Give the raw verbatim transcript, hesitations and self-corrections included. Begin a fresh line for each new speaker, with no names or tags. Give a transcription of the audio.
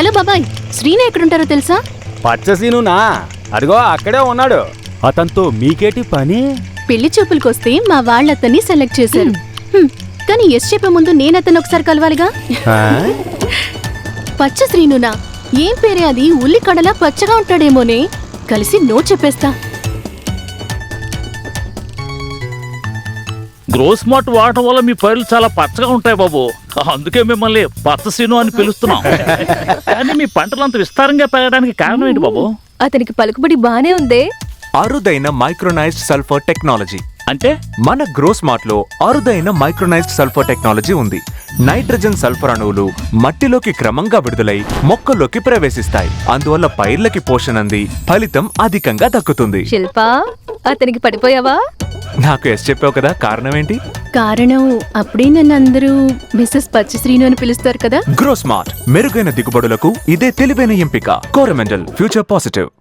Hello బాబాయ్, శ్రీను ఎక్కడుంటారో తెలుసా?
పచ్చసీనునా? అదిగో అక్కడే ఉన్నాడు. అతనితో మీకేటి పని?
పెళ్లి చూపులకొస్తే మా వాళ్ళతన్ని సెలెక్ట్ చేశారు. హ్మ్, కానీ ఎస్ చెప్పే ముందు నేను అతను ఒకసారి కలవాలిగా. పచ్చ శ్రీనునా? ఏం పేరే అది? ఉల్లి కడలా పచ్చగా ఉంటాడేమోనే. కలిసి నో చెప్పేస్తా.
గ్రోస్ మార్ట్ వాడటం వల్ల మీ పైర్లు చాలా పచ్చగా ఉంటాయి బాబు. అందుకే మిమ్మల్ని పచ్చసీను అని పిలుస్తున్నాం. కానీ మీ పంటలు అంత విస్తారంగా పెరగడానికి కారణం ఏంటి బాబు?
అతనికి పలుకుబడి బానే ఉందే.
అరుదైన మైక్రోనైజ్డ్ సల్ఫర్ టెక్నాలజీ.
అంటే
మన గ్రోస్ మార్ట్ లో అరుదైన మైక్రోనైజ్డ్ సల్ఫర్ టెక్నాలజీ ఉంది. నైట్రోజన్ సల్ఫర్ అణువులు మట్టిలోకి క్రమంగా విడుదలై మొక్కల్లోకి ప్రవేశిస్తాయి. అందువల్ల పైర్లకి పోషణ అంది ఫలితం అధికంగా దక్కుతుంది.
శిల్పా, అతనికి పడిపోయావా?
నాకు ఎస్ చెప్పావు కదా, కారణం ఏంటి?
కారణం అప్పుడే నన్ను అందరూ మిస్సెస్ పచ్చ శ్రీను అని పిలుస్తారు కదా.
గ్రోస్ మార్ట్ మెరుగైన దిగుబడులకు ఇదే తెలివైన ఎంపిక. Coromandel, future positive.